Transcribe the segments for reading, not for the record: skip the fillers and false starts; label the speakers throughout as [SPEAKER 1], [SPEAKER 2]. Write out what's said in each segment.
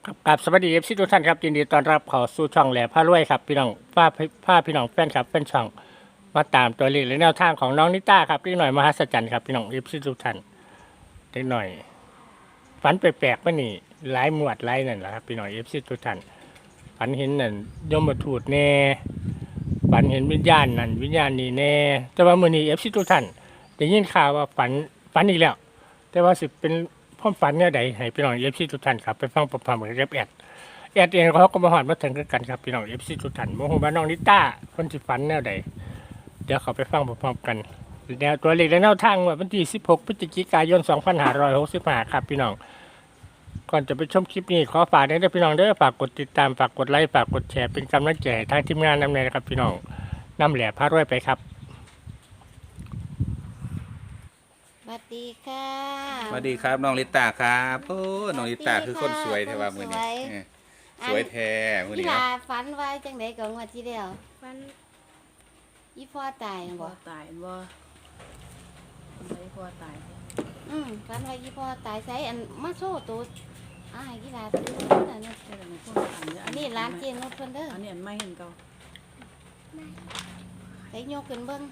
[SPEAKER 1] ครับสวัสดีทุกท่านครับยินดีต้อนรับเข้าสู่ช่องแหล่พารวยครับพี่น้องผ้าพี่น้องแฟนครับแฟนช่องมาตามตัวเลขและแนวทางของน้องนิต้าครับพี่หน่อยมหัศจรรย์ครับพี่น้องทุกท่านเล็กหน่อยฝันแปลกๆว่านี่หลายหมวดหลายนั่นแหละครับพี่น้องทุกท่านฝันเห็นนั่นยมทูตแน่ฝันเห็นวิญญาณนั่นวิญญาณนี่แน่แต่ว่ามื้อนี้ทุกท่านได้ยินข่าวว่าฝันอีกแล้วแต่ว่าสิเป็นความฝันเนี่ยใดให้พี่น้องทุกท่านครับไปฟังพร้อมๆกับแอดเองเขาก็มาหอดมาถึงกันครับพี่น้องทุกท่านโมโหบ้านน้องนิต้าคนสิฝันแนวใดเดี๋ยวเขาไปฟังพร้อมๆกันแนวตัวเลขและแนวทางวันที่16พฤศจิกายน2565ครับพี่น้องก่อนจะไปชมคลิปนี้ขอฝากด้วยพี่น้องเด้อฝากกดติดตามฝากกดไลค์ฝากกดแชร์เป็นกำลังใจทางทีมงานนำเลยนะครับพี่น้องนำแหล่พารวยไปครับ
[SPEAKER 2] สวัสดีค่ะ
[SPEAKER 3] สวัสดีครับน้องลิตาครับโอ้น้องลิตาคือคนสวยแท้ว่ามื้อนี้สวยแท้มื้อ
[SPEAKER 2] พี่
[SPEAKER 3] นี้
[SPEAKER 2] ลา
[SPEAKER 3] เนาะ
[SPEAKER 2] ฝันไว้จังไดก่อนว่าที่เดียว
[SPEAKER 4] ฟัน
[SPEAKER 2] อีพ่อตาย
[SPEAKER 4] บ่
[SPEAKER 2] บ่
[SPEAKER 4] ตายบ่คนใดพ่อตาย
[SPEAKER 2] ฝันว่าอีพ่อตายใส่อันมาโซ่ตัวให้กีฬาซื้อนั่นน่ะ
[SPEAKER 4] แค่นั้นพ่อตายเย
[SPEAKER 2] อันนี้ร้านเจนรถเพิ่นเด้อ
[SPEAKER 4] อันนี้อันไม่เห็นเก่า
[SPEAKER 2] ใส่ยกขึ้นเบิ่ง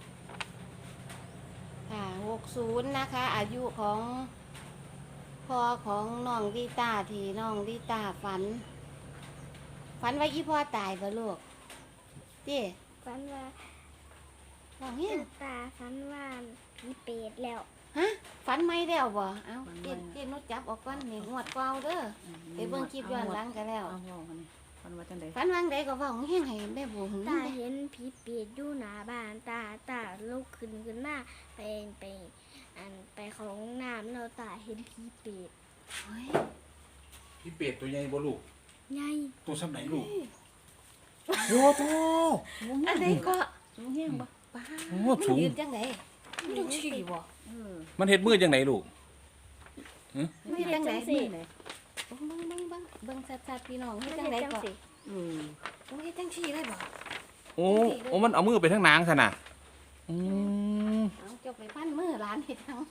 [SPEAKER 2] ค่ะ60นะคะ อายุของพ่อของน้องดีตาที่น้องดีตาฝันว่าอีพ่อตายบ่ลูกติ
[SPEAKER 5] ฝันว่า
[SPEAKER 2] น้องเฮียง
[SPEAKER 5] ตาฝันว่าผีเปรตแล้ว
[SPEAKER 2] ฮะฝันไม่แล้วบ่เอ้าเจนนุชจับออกก่อนนี่งวดเก่าเด้อไปเบิ่งคลิปย้อนหลังกันแล้ว
[SPEAKER 4] เอาเว้ากันนี่ฟันว่าจังได๋
[SPEAKER 2] ฝันวังใดก็เว้าแห้งให้แม่บุ๋ม
[SPEAKER 5] ตาเห็นผีเปรตอยู่หน้าบ้านตาลุกขึ้นมาไปไปของน้ำแล้วตาเห็นผีเปรต
[SPEAKER 2] เฮ้ย
[SPEAKER 3] พี่เป็ดตัวใหญ่บ่ลูก
[SPEAKER 5] ใหญ่
[SPEAKER 3] ตัวซ้ำไหนลูกโอ้โต
[SPEAKER 2] อันใดก็
[SPEAKER 4] สูงแฮงบ่
[SPEAKER 2] ป้า
[SPEAKER 3] โอ้
[SPEAKER 2] มัน
[SPEAKER 3] สูง
[SPEAKER 2] ยืนจังไดมันต้องชี้บ่
[SPEAKER 4] เออ
[SPEAKER 3] มันเฮ็ดมือจังไดลูก
[SPEAKER 2] มันเฮ็ดจังได
[SPEAKER 4] สิ
[SPEAKER 2] เบิ่งชัดๆพี่น้องเฮ็ด
[SPEAKER 5] มัน
[SPEAKER 2] จัง
[SPEAKER 5] เห็น
[SPEAKER 2] ได
[SPEAKER 5] จัง
[SPEAKER 2] ก็
[SPEAKER 5] สิ
[SPEAKER 2] มันเฮ็ดจังชี้ได้บ่
[SPEAKER 3] โอ้โอ้มันเอามือไปทางนางซั่นน่ะอืม
[SPEAKER 2] เอาเจ้าไปพันมือหลานเฮ็ดจัง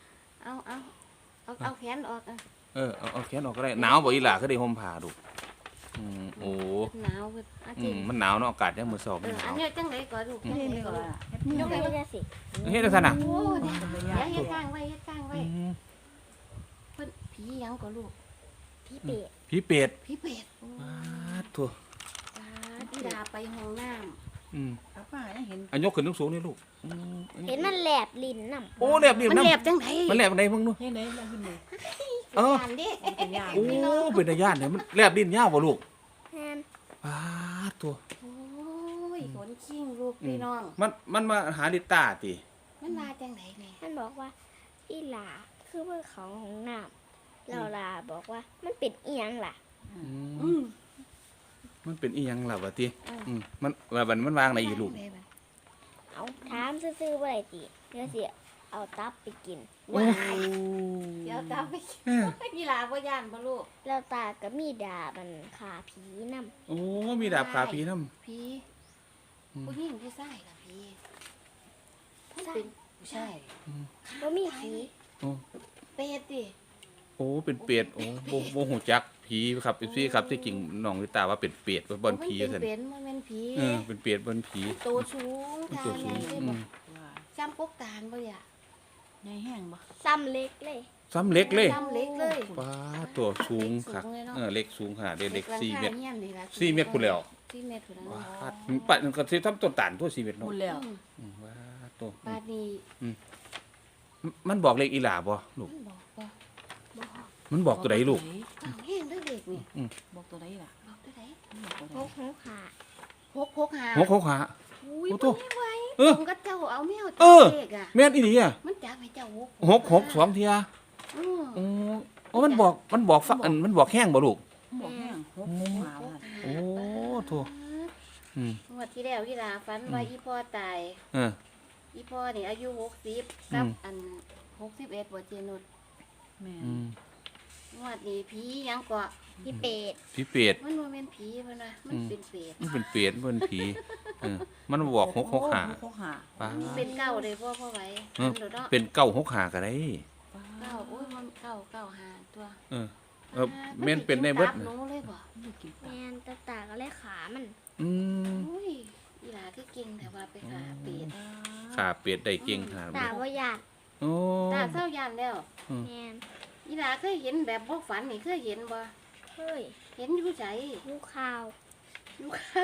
[SPEAKER 2] เอาแขนออก
[SPEAKER 3] เอาแขนออกก็ได้หนาวบ่อีหล่าคือได้ห่มผ้าลูกโอ้
[SPEAKER 2] หนาวเพิ่นอาจริง
[SPEAKER 3] มันหนาวเนาะอากาศยามมื้อเช้ามันห
[SPEAKER 2] อั
[SPEAKER 3] นาน ว
[SPEAKER 2] นี้จังไดก็ลูกจัง
[SPEAKER 4] เห็น
[SPEAKER 2] ได
[SPEAKER 4] เลย
[SPEAKER 2] ก็
[SPEAKER 4] ก็
[SPEAKER 2] ลูก
[SPEAKER 4] ว่า
[SPEAKER 5] มันเห็นจังสิ
[SPEAKER 3] เฮ็ดจังซั่นน่ะ
[SPEAKER 2] โอ้เดี๋ยวเฮ็ดข้างไว้เพิ่นผีหยังก็ลูก
[SPEAKER 5] ผีเปรต
[SPEAKER 3] พี่เป็ด
[SPEAKER 2] ผีเป็ด
[SPEAKER 3] ว้าตัว
[SPEAKER 2] พี่ดาไปห้องน้ำ
[SPEAKER 4] ป้าป้ายังเห็น
[SPEAKER 3] อันยกขึ้นสูงๆนี่ลูก
[SPEAKER 5] เห็นมันแหลบลิ้นน่ะ
[SPEAKER 3] โอ้แลบดิ
[SPEAKER 2] มัน
[SPEAKER 3] น้ำ
[SPEAKER 2] แหลบจังได
[SPEAKER 3] มันแลบได้เพิ่งดู
[SPEAKER 4] เห็นได้แล้วขึ้นเลย
[SPEAKER 3] เออ
[SPEAKER 2] อ่านดิ
[SPEAKER 4] เป็นย่าง
[SPEAKER 3] โอ้เป็นตาย่านเนี่ยมันแลบดินยาวบ่ลูก
[SPEAKER 5] แทน
[SPEAKER 3] ว้าตัว
[SPEAKER 2] โอ้ยขนขิงลูกพี่น้อง
[SPEAKER 3] มันมาหาลิตาติ
[SPEAKER 2] มันมาจังไดนี่
[SPEAKER 5] มันบอกว่าอีหลาคือเพื่อของของน้ำเราลาบอกว่ามันเป็นเอียงล่ะ
[SPEAKER 2] อืม
[SPEAKER 3] มันเป็นอีหยังล่ะวะติมันว่ามันวางในอีลูก
[SPEAKER 5] เอาถามซื่อๆว่าไรติเดี๋ยวสิเอาตับไปกิน
[SPEAKER 2] ว้ายเดี๋ยวตามไปพี่ลาบ่ย่านบ่ลูก
[SPEAKER 5] แล้วตาก็มีดาบันขาผีนำ
[SPEAKER 3] โอ้มีดาบขาผีนำ
[SPEAKER 2] พี่ผู้หญิงผู้ชายล่ะพี่ผู้เป็นผู้ชาย
[SPEAKER 5] บ่มีผี
[SPEAKER 3] โอ้
[SPEAKER 2] เป็ดดิ
[SPEAKER 3] โอ้เป็นเปรตโอ้บ่ฮู้จักผีครับพี่ครับที่จริงน้องลิตาว่าเป็นเปรตว่าบ่นผี
[SPEAKER 2] มัน
[SPEAKER 3] ซั่น
[SPEAKER 2] เป็นมันเป็นผี
[SPEAKER 3] เป็นเปรตบ่นผี
[SPEAKER 2] โตสูง
[SPEAKER 3] เป็น
[SPEAKER 2] ทา
[SPEAKER 3] ตัว
[SPEAKER 2] ง
[SPEAKER 3] สู
[SPEAKER 2] ใหญ่
[SPEAKER 3] ง
[SPEAKER 2] เลยบ่ซ้ำกกตาลบ่อย่า
[SPEAKER 4] ใหญ่แห้งบ่
[SPEAKER 5] ซ้ำเล็กเลย
[SPEAKER 3] ซ้ำเล็กเลย
[SPEAKER 2] ซ้ำเล็กเลย
[SPEAKER 3] ว้าตัวสูงครับเล็กสูงขนาดเล็ก4เมตร 4 เมตรพุ่นแล้ว
[SPEAKER 2] 4 เมตรพุ่นแล้ว
[SPEAKER 3] ว้าปัดก็สิทำต้นตาลตัว4เมตร
[SPEAKER 4] หม
[SPEAKER 3] เนาะ
[SPEAKER 4] ดแล้ว
[SPEAKER 3] ว้าตัว
[SPEAKER 2] บาดนี้
[SPEAKER 3] มันบอกเลขอีหลาบ่ลูก
[SPEAKER 2] มันบอกว่า
[SPEAKER 3] มันบอกตัวใดลูก
[SPEAKER 2] ต้องแห้งเด้อเด็กนี่
[SPEAKER 4] บอกตัวใดล่ะ
[SPEAKER 2] บอกตัวใด
[SPEAKER 4] บอกตัวใด
[SPEAKER 5] หกหกขา
[SPEAKER 2] 665
[SPEAKER 3] หกขา
[SPEAKER 2] อุ้ย
[SPEAKER 3] โอ้
[SPEAKER 2] บ่
[SPEAKER 3] โต
[SPEAKER 2] ได้ไว้
[SPEAKER 3] เออ
[SPEAKER 2] ผมก็เจ้าเอาแมว
[SPEAKER 3] เออ
[SPEAKER 2] เด็กอ่ะ
[SPEAKER 3] แม่นอีหลีอ่ะ
[SPEAKER 2] มันจับให้เจ้า
[SPEAKER 3] 6 2เที่ย
[SPEAKER 2] อือ
[SPEAKER 3] โอ้มันบอกฟังมันบอกแห้งบ่ลูก
[SPEAKER 4] บอกแห้งหกหมาว่า
[SPEAKER 3] โอ้โถอืม
[SPEAKER 2] งวดที่แล้วที่ลาฝันว่าอีพ่อตาย
[SPEAKER 3] เออ
[SPEAKER 2] อีพ่อนี่อายุ60กับอัน61บ่เจนุด
[SPEAKER 4] แม่
[SPEAKER 3] อืม
[SPEAKER 2] งวดนี้ผีหยังก็
[SPEAKER 5] ผีเปรต
[SPEAKER 3] ผีเปรต
[SPEAKER 2] มันบ่แม่นผีเพิ่นว่ามันเป็นเปรต
[SPEAKER 3] มันเป็นเปรตมันเป็นผีมันบอก6 6 5
[SPEAKER 4] หกหา
[SPEAKER 3] ป้า
[SPEAKER 2] มันเป็นเก้าเลยพ่อไหว
[SPEAKER 3] เออ
[SPEAKER 2] เดี๋ยวเนาะ
[SPEAKER 3] เป็น9 6 5ก็ได้
[SPEAKER 2] เก้าโอ้ยมันเก้าหาตัว
[SPEAKER 3] เออแม่นเป็นได้เบิด
[SPEAKER 2] มัสิกินตับหนูเลยบ่
[SPEAKER 4] ไม่กิน
[SPEAKER 5] แมนตาตาก็เลยขามัน
[SPEAKER 3] อืม
[SPEAKER 2] อุ้ยอีหลาคือเก่งแต่ว่าไปขาเป็ด
[SPEAKER 3] ขาเป็ดได้เก่งขนาด
[SPEAKER 5] ตา
[SPEAKER 3] นี้
[SPEAKER 5] ว่าหยาด
[SPEAKER 3] โอ้
[SPEAKER 2] ตาเศร้ายานแล้ว
[SPEAKER 5] แมน
[SPEAKER 2] อีหลาเคยเห็นแบบบ่ฝันนี่เคยเห็นบ่
[SPEAKER 5] เฮ้ย
[SPEAKER 2] เห็นอยู่ไส
[SPEAKER 5] ลูกข้าว
[SPEAKER 2] อยู่ข้าว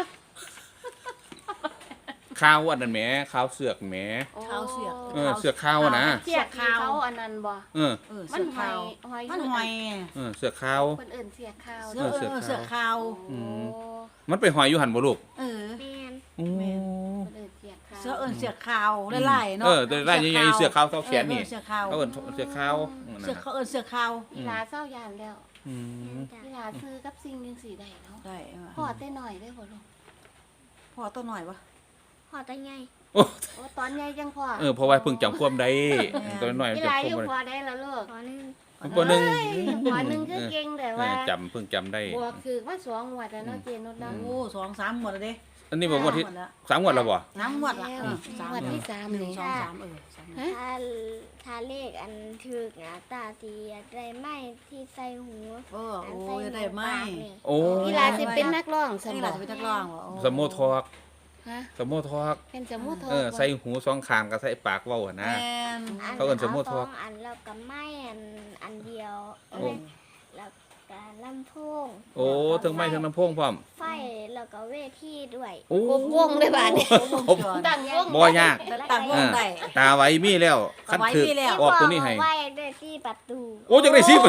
[SPEAKER 3] ข้าวอันนั้นแหมข้าวเสือกแหม
[SPEAKER 4] ข้าวเสือก
[SPEAKER 3] เสือกข้าวอะนะ
[SPEAKER 2] เสียกที่เขาอันนั้นบ่
[SPEAKER 3] เออ
[SPEAKER 2] มั
[SPEAKER 4] เสื
[SPEAKER 2] น
[SPEAKER 4] อก
[SPEAKER 2] หอ
[SPEAKER 4] ข้าวย
[SPEAKER 2] หอย
[SPEAKER 4] มันหอย
[SPEAKER 3] เสือกข้าว
[SPEAKER 2] เพิ่นเอิ้นเสียกข้าว
[SPEAKER 4] เสือกเสือกข้าว
[SPEAKER 2] โอ้
[SPEAKER 3] มันไปหอยอยู่หันบ่ลูก
[SPEAKER 4] เออ
[SPEAKER 5] แมน
[SPEAKER 3] โอ้
[SPEAKER 2] เพิ่นเอิ้นเสียกข้าว
[SPEAKER 4] เสือกเสือกข้าวไล่ๆเนาะ
[SPEAKER 3] แต่ได้ยังไงเสือกข้าวเท่าแขนนี่
[SPEAKER 4] เสือกข้าว
[SPEAKER 3] เขาเอิ้นเสือกข้าวนั่น
[SPEAKER 4] เสือก
[SPEAKER 3] น่ะ
[SPEAKER 4] เขาเสือกข้าว
[SPEAKER 2] อีหลาเศร้ายานแล้ว
[SPEAKER 3] อื
[SPEAKER 5] แม
[SPEAKER 3] ม
[SPEAKER 5] นจ้ะ
[SPEAKER 2] อีหลาซื้อกับสิ่งจังซี่ได้เนาะ
[SPEAKER 4] ได้
[SPEAKER 2] พ่อแต่น้อยได้บ่ลูก
[SPEAKER 4] พอตัวหน่อยปะ
[SPEAKER 5] พอตาไง
[SPEAKER 3] โอ้
[SPEAKER 2] โอ้ตอนใหญ่จังพ่อ
[SPEAKER 3] เพราะว่าเพิ่งจำความได้ตัวน้อย
[SPEAKER 2] อี
[SPEAKER 3] จำ
[SPEAKER 2] หลา
[SPEAKER 3] ควา
[SPEAKER 2] อยู่
[SPEAKER 3] ม
[SPEAKER 2] พอได้แล้วลูก
[SPEAKER 5] ตอนนึง
[SPEAKER 3] บ่นึง
[SPEAKER 2] พอหนึงคือเก่งแต่ว่า
[SPEAKER 3] เพิ่งจำได้
[SPEAKER 2] บวกคือว่า2งวดแล้วเนาะเจนุชเนาะ
[SPEAKER 4] โอ้2-3หมดเลย
[SPEAKER 3] อันนี้บอกว่าที่3งวดแล้วบ่
[SPEAKER 4] น้ำหมดละ
[SPEAKER 2] งวดที่3
[SPEAKER 4] หนึ่ง
[SPEAKER 2] นี่
[SPEAKER 4] สองสาม
[SPEAKER 2] ฮะ
[SPEAKER 5] ถ้าเลขอันถึกนะตาตีอยากได้ไม้ที่ใส่หู
[SPEAKER 4] โอ้ยได้ไหม
[SPEAKER 3] โอ้
[SPEAKER 2] อีหลาสิเป็นนักร้องส
[SPEAKER 4] นี่
[SPEAKER 2] ม
[SPEAKER 4] เรา
[SPEAKER 2] บั
[SPEAKER 4] จะ
[SPEAKER 2] ติ
[SPEAKER 4] ไปทักร้องวะ
[SPEAKER 3] สมโมทอก
[SPEAKER 2] ฮะ
[SPEAKER 3] สมโมทอก
[SPEAKER 2] เป็นสมุทร
[SPEAKER 3] ใส่หูสองข้างกับใส่ปากเว้าหั่นนะ เขาเอิ้นสมมุติ
[SPEAKER 5] ส
[SPEAKER 3] พ
[SPEAKER 5] อ
[SPEAKER 3] วก
[SPEAKER 5] งอันแล้วก็ไม้อันเดียว
[SPEAKER 3] โอ้
[SPEAKER 5] แล้วก็ลำโพง
[SPEAKER 3] โอ้ทั้งไม้ทั้งลำโพงพร้อม
[SPEAKER 5] ไฟแล้วก็เวทีด้วย
[SPEAKER 3] โอ้
[SPEAKER 2] ครบวงเลยบาดนี้
[SPEAKER 4] ครบ
[SPEAKER 2] ตั้งวง
[SPEAKER 3] บ่ยาก
[SPEAKER 4] ตั้งวงได้
[SPEAKER 3] ตาไว้มีแล้วคันถือ
[SPEAKER 4] ไว้มีแล้ว
[SPEAKER 3] ออกตัวนี้ให้
[SPEAKER 5] ไว้ได้ที่ประตู
[SPEAKER 3] โอ้จังได้สิ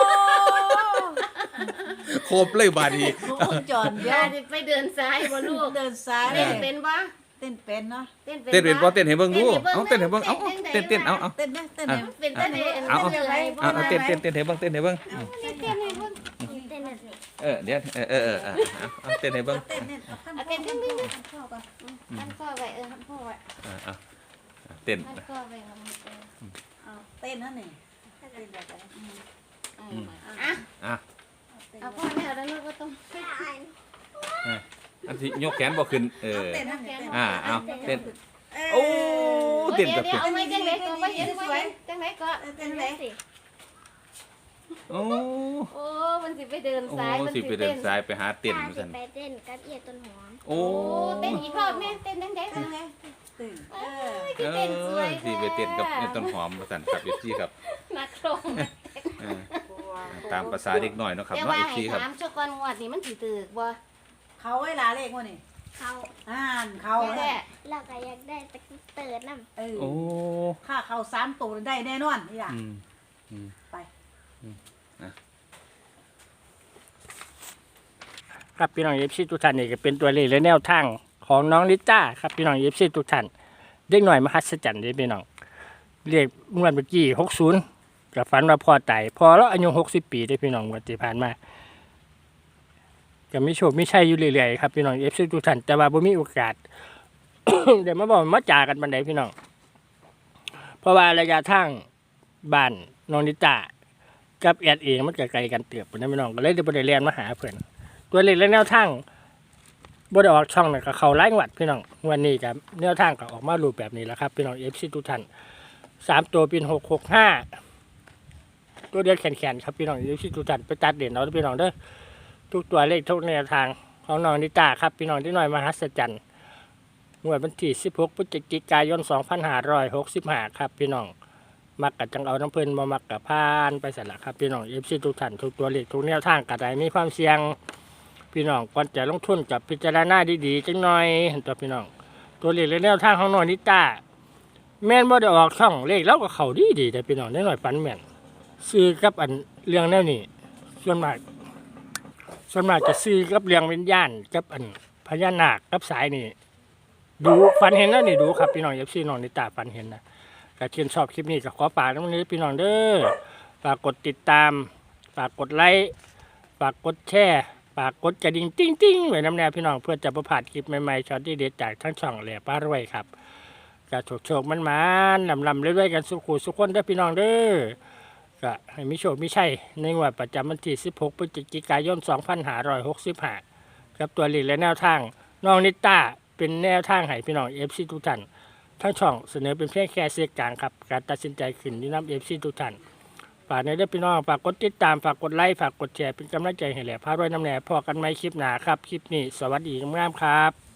[SPEAKER 3] ครบเลยบาดนี้
[SPEAKER 4] วงจร
[SPEAKER 2] อี
[SPEAKER 4] เดี
[SPEAKER 2] ห
[SPEAKER 4] ย
[SPEAKER 2] ลาว สิไปเดินซ้ายบ่ลูก
[SPEAKER 4] เดินซ้าย
[SPEAKER 2] เต้นเป็นบ่
[SPEAKER 4] เต้นเป็นเนาะ
[SPEAKER 2] เต้น
[SPEAKER 3] เต้นเป็นบ่
[SPEAKER 2] บ่
[SPEAKER 3] เต้นให้เบิ่งดูเอาเต้นให้เบิ่งเอาเต้นเอา
[SPEAKER 4] เต้นไหมเต้นไหม
[SPEAKER 2] เป็นเต้นให้
[SPEAKER 3] เอา
[SPEAKER 2] เต้นให้บ่
[SPEAKER 3] เอาเต้นให้เบิ่งเต้นให้เบิ่ง
[SPEAKER 2] เต้นให้เบิ่ง
[SPEAKER 5] เต้นแบบนี้
[SPEAKER 3] เดี๋ยวเอาเต้นให้เบิ่ง
[SPEAKER 4] เต้นเนี่ย
[SPEAKER 2] เอาเต้นทั้งนี้
[SPEAKER 4] เข้ากัน
[SPEAKER 2] หันข้อไว้หันข้อไว้
[SPEAKER 3] เต้น
[SPEAKER 2] หันข้อไว้มัน
[SPEAKER 4] เต้นนั่นนี่
[SPEAKER 2] อ่ะ
[SPEAKER 3] อ่ะ
[SPEAKER 2] เอาพ่อแม่แล้วลูกก็ต้อง
[SPEAKER 3] อันที่ยกแขนบ่ขึ้น
[SPEAKER 4] เต้นนั่นนี่
[SPEAKER 3] เอาเต้นโอ้เต้น
[SPEAKER 2] เดี๋
[SPEAKER 3] กั
[SPEAKER 2] ย
[SPEAKER 3] บ
[SPEAKER 2] วเอาไว้จังไหนก็บ่เห็นไว้จังไหนก็
[SPEAKER 4] เต้นไหน
[SPEAKER 5] สิ
[SPEAKER 3] โอ้
[SPEAKER 2] โอ้มันสิไปเดิน
[SPEAKER 3] โอ้
[SPEAKER 2] ซ้ายมัน
[SPEAKER 3] สิ
[SPEAKER 2] สิ
[SPEAKER 3] ไปเดิ
[SPEAKER 2] เต้
[SPEAKER 3] น
[SPEAKER 2] น
[SPEAKER 3] ซ้ายไปหาเต้น
[SPEAKER 5] ตา
[SPEAKER 3] มา
[SPEAKER 5] สิ
[SPEAKER 3] ซั่น
[SPEAKER 5] ไปเต้นกับเอียต้นหอม
[SPEAKER 3] โอ้
[SPEAKER 2] เต้นอีกรอบแม่เต้นจังได๋
[SPEAKER 4] เต้นไหนเต้น
[SPEAKER 2] ที่เต้นสวย
[SPEAKER 3] สิไปเต้นกับต้นหอมมาสั่นครับเอฟซีครับ
[SPEAKER 2] นักร้อง
[SPEAKER 3] ตามภาษาเด็กหน่อยเนาะครับ
[SPEAKER 2] แต่
[SPEAKER 3] เนาะ
[SPEAKER 2] ว่า
[SPEAKER 3] เอฟ
[SPEAKER 2] ให้
[SPEAKER 3] ซีครับ
[SPEAKER 2] ถามชั่วก่อนงวดนี้มันสิตึกบ่
[SPEAKER 4] เขาไว้ลาเลขวะนี่
[SPEAKER 5] เขา
[SPEAKER 4] เขา
[SPEAKER 2] แท้
[SPEAKER 5] แล้วก็อยากได้ตะกี้เติร์ดน้ำ
[SPEAKER 3] โอ้
[SPEAKER 4] ค่าเขา3ตัวได้แน่นอนนี่ล่ะ ไป
[SPEAKER 1] ครับพี่น้องเอฟซีทุกท่านนี่ก็เป็นตัวเลขและแนวทางของน้องลิต้าครับพี่น้องเอฟซีทุกท่านเด็กหน่อยมหัศจรรย์เด้อพี่น้องเรียกงวดเมื่อกี้60กับฝันว่าพ่อตายพอแล้วอายุ60 ปีได้อพี่น้องงวดที่ผ่านมาก็มีโชคมีชัยอยู่เรื่อยๆครับพี่น้องเอฟซีทุกท่านแต่ว่าบ่มีโอกาส เดี๋ยวมาบอกมาจากันบันไดพี่น้องเพราะว่าระยะทางบ้านน้องลิต้ากับแอดเองมันก็ไกลกันเติบนะพี่น้องก็เลยได้บ่ได้เรียนมาหาเพิ่นตัวเลขและแนวทางบ่ได้ออกช่องน่ะก็เข้าหลายงวดพี่น้องวันนี้ก็แนวทางก็ออกมารูปแบบนี้แหล้วครับพี่น้อง FC ทุกท่าน3ตัวเป็น665ตัวเดียวแขนๆครับพี่น้อง FC ทุกท่านไปตัดเด่นเอาเด้อพี่น้องเด้อทุกตัวเลขทุกแนวทางของน้องนิตาครับพี่น้องที่น้อยมหัศจรรย์งวดวันที่16พฤศจิกายน2565ครับพี่น้องมักกะจังเอาน้ำเพิ่นบ่มักกะพานไปสั่นล่ะครับพี่น้อง FC ทุกท่านทุกตัวเลขทุกแนวทางก็ได้มีความเสี่ยงพี่น้องก่อนจะลงทุนกับพิจารณาดีๆจังหน่อยตัวพี่น้องตัวเลขและแนวทางของน้องนิตาแม่นบ่ได้ออกช่องเลขแล้วก็เข้าดีๆแต่พี่น้องได้หน่อยฝันแม่นซื้อกับอันเรื่องแนวนี้ส่วนมากจะซื้อกับเรื่องวิญญาณกับอันพญานาคกับสายนี่ดูฝันเห็นแล้วนี่ดูครับพี่น้อง FC น้องนิตาฝันเห็นนะก็ชื่นชอบคลิปนี้ก็ขอฝากน้ำนี้พี่น้องเด้อฝากกดติดตามฝากกดไลค์ฝากกดแชร์ฝากกดกระดิ่งติ้งๆไว้น้ำแนวพี่น้องเพื่อจะประพลาดคลิปใหม่ๆช็อตที่เด็ดจากทั้งช่องแหล่ป้ารวยครับก็โชคมันลำเรื่อยๆกันสุขุสุขคนเด้อพี่น้องเด้อก็ให้มีโชคมีชัยในงวดประจำวันที่16พฤศจิกายน2565กับตัวเลขและแนวทางน้องนิต้าเป็นแนวทางให้พี่น้อง FC ทุกท่านทั้งช่องเสนอเป็นเพียงแค่เสียงกลางครับการตัดสินใจขึ้นที่นำ FC ทุกท่านฝากในเด้อพี่น้องฝากกดติดตามฝากกดไลค์ฝากกดแชร์เป็นกำลังใจให้แหล่พารวยน้ำแหน่พอกันไหมคลิปหน้าครับคลิปนี้สวัสดีงามๆครับ